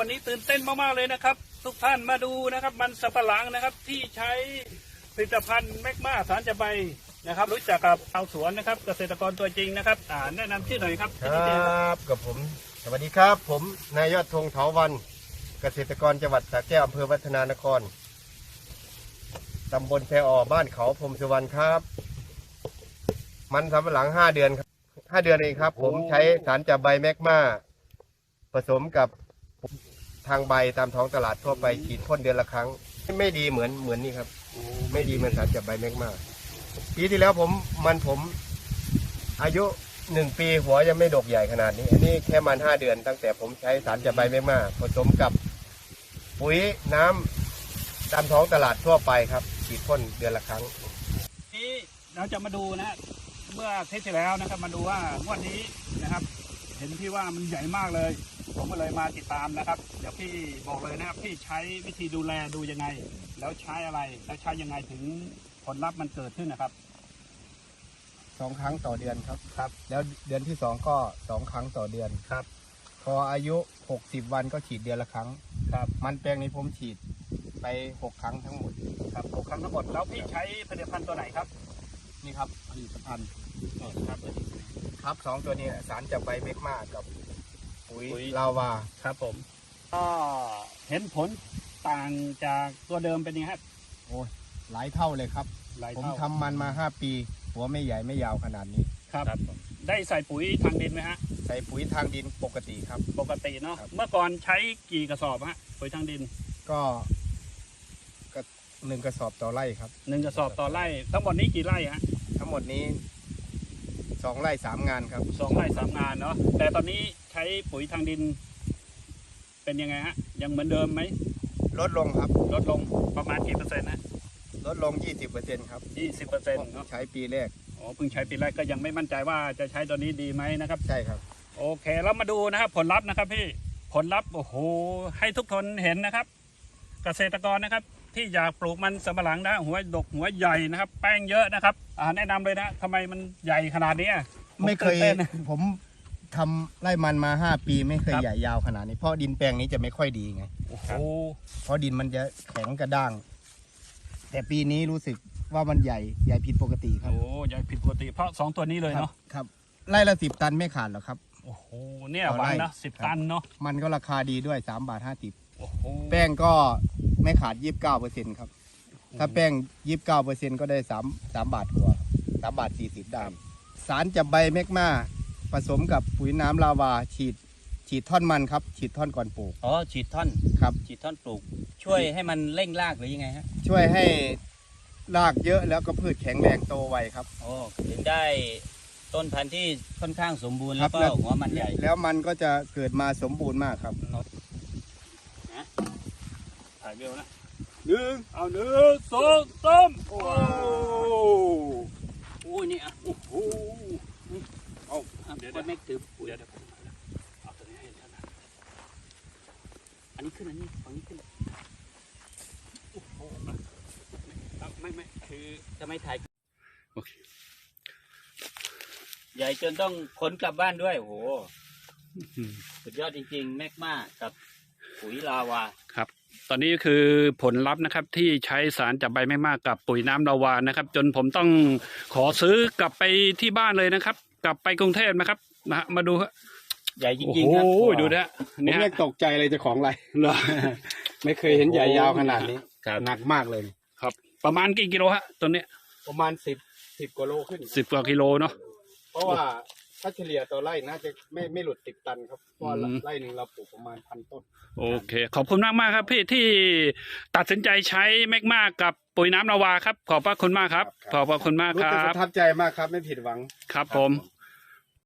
วันนี้ตื่นเต้นมากๆเลยนะครับทุกท่านมาดูนะครับมันสำปะหลังนะครับที่ใช้ผลิตภัณฑ์แมกมาสารจะใบนะครับรู้จักกับชาวสวนนะครับเกษตรกรตัวจริงนะครับแนะนำชื่อหน่อยครับครับกับผมสวัสดีครับผมนายยอดธงเถาวันเกษตรกรจังหวัดสระแก้วอำเภอวัฒนานครตำบลแพอบ้านเขาพรมสุวรรณครับมันสำปะหลัง5 เดือนครับ5 เดือนเองครับผมใช้สารจับใบแมกมาผสมกับทางใบตามท้องตลาดทั่วไปฉีดพ่นเดือนละครั้งไม่ดีเหมือนนี่ครับไม่ดีเหมือนสารจับใบแมกมาปีที่แล้วผมอายุ1 ปีหัวยังไม่ดกใหญ่ขนาดนี้อันนี้แค่มัน5 เดือนตั้งแต่ผมใช้สารจับใบแมกมาผสมกับปุ๋ยน้ำตามท้องตลาดทั่วไปครับฉีดพ่นเดือนละครั้งนี้เราจะมาดูนะเมื่อเทปที่แล้วนะครับมาดูว่างวดนี้นะครับ เห็นพี่ว่ามันใหญ่มากเลยผมก็เลยมาติดตามนะครับเดี๋ยวพี่บอกเลยนะครับพี่ใช้วิธีดูแลดูยังไงแล้วใช้อะไรแล้วใช้ยังไงถึงผลลัพธ์มันเกิดขึ้นนะครับ 2 ครั้งต่อเดือนครับแล้วเดือนที่2ก็2 ครั้งต่อเดือนครับพออายุ60 วันก็ฉีดเดือนละครั้งครับมันแปลงนี้ผมฉีดไป6 ครั้งทั้งหมดครับ6 ครั้งทั้งหมดแล้วพี่ใช้ผลิตภัณฑ์ตัวไหนครับนี่ครับผลิตภัณฑ์ครับ 2 ตัวนี้สารจับใบแมกมากับปุ๋ยลาวาครับผมก็เห็นผลต่างจากตัวเดิมเป็นยังไงครับโอ้ยหลายเท่าเลยครับผมทำมันมา5 ปีหัวไม่ใหญ่ไม่ยาวขนาดนี้ครับได้ใส่ปุ๋ยทางดินไหมฮะใส่ปุ๋ยทางดินปกติครับปกติเนาะเมื่อก่อนใช้กี่กระสอบฮะปุ๋ยทางดินก็1 กระสอบต่อไร่ครับ 1 กระสอบต่อไร่ทั้งหมดนี้กี่ไร่ฮะทั้งหมดนี้2 ไร่ 3 งานครับ 2 ไร่ 3 งานเนาะแต่ตอนนี้ใช้ปุ๋ยทางดินเป็นยังไงฮะยังเหมือนเดิมไหมลดลงครับลดลงประมาณกี่เปอร์เซ็นต์นะลดลง 20%ครับ 20%เนาะใช้ปีแรกเพิ่งใช้ปีแรกก็ยังไม่มั่นใจว่าจะใช้ตัวนี้ดีไหมนะครับใช่ครับโอเคแล้วมาดูนะครับผลลัพธ์นะครับพี่ผลลัพธ์โอ้โหให้ทุกคนเห็นนะครับเกษตรกรนะครับที่อยากปลูกมันสำปะหลังนะหัวดกหัวใหญ่นะครับแป้งเยอะนะครับแนะนำเลยนะทำไมมันใหญ่ขนาดนี้ไม่เคยผมทำไร่มันมา5 ปีไม่เคยใหญ่ยาวขนาดนี้เพราะดินแปลงนี้จะไม่ค่อยดีไงเพราะดินมันจะแข็งกระด้างแต่ปีนี้รู้สึกว่ามันใหญ่ผิดปกติครับโอ้ใหญ่ผิดปกติเพราะ2 ตัวนี้เลยเนาะครับไร่ละ10 ตันไม่ขาดหรอกครับโอ้โหเนี่ยวันนะ10 ตันเนาะมันก็ราคาดีด้วย3.50 บาทแป้งก็ไม่ขาด 29%ครับถ้าแป้ง 29%ก็ได้3 บาทกว่า3.40 บาทได้สารจับใบแมกมาผสมกับปุ๋ยน้ำลาวาฉีดท่อนมันครับฉีดท่อนก่อนปลูกฉีดท่อนครับฉีดท่อนปลูกช่วยให้มันเร่งรากหรือยังไงฮะช่วยให้รากเยอะแล้วก็พืชแข็งแรงโตไวครับถึงได้ต้นพันธุ์ที่ค่อนข้างสมบูรณ์แล้วก็หัวมันใหญ่แล้วมันก็จะเกิดมาสมบูรณ์มากครับถ่ายเบลนะ1 2 3โอ้นี่โอ้โหเดี๋ยวไม่ถือเดี๋ยวผมเอาตัวนี้ให้ท่านนะอันนี้ขึ้นฝั่งนี้ขึ้นโอ้โหไม่คือจะไม่ถ่ายโอเคใหญ่จนต้องขนกลับบ้านด้วยโอ้โหสุดยอดจริงๆแมกมากับปุ๋ยลาวาครับตอนนี้คือผลลัพธ์นะครับที่ใช้สารจับใบไม่มากกับปุ๋ยน้ำลาวานะครับจนผมต้องขอซื้อกลับไปที่บ้านเลยนะครับกลับไปกรุงเทพนะครับมาดูฮะใหญ่จริงๆครับโอ้ยดูนะผมยังตกใจเลยเจ้าของไรไม่เคยเห็นใหญ่ยาวขนาดนี้หนักมากเลยครับประมาณกี่กิโลฮะตัวนี้ประมาณ10 กว่าโลขึ้น 10 กว่ากิโลเนาะเพราะว่าถ้าเฉลี่ยต่อไร่น่าจะไม่หลุด10 ตันครับเพราะไร่หนึ่งเราปลูกประมาณ1,000 ต้นโอเคขอบคุณมากครับพี่ที่ตัดสินใจใช้แมกมากับปุ๋ยน้ำลาวาครับขอบพระคุณมากครับขอบพระคุณมากครับประทับใจมากครับไม่ผิดหวังครับผม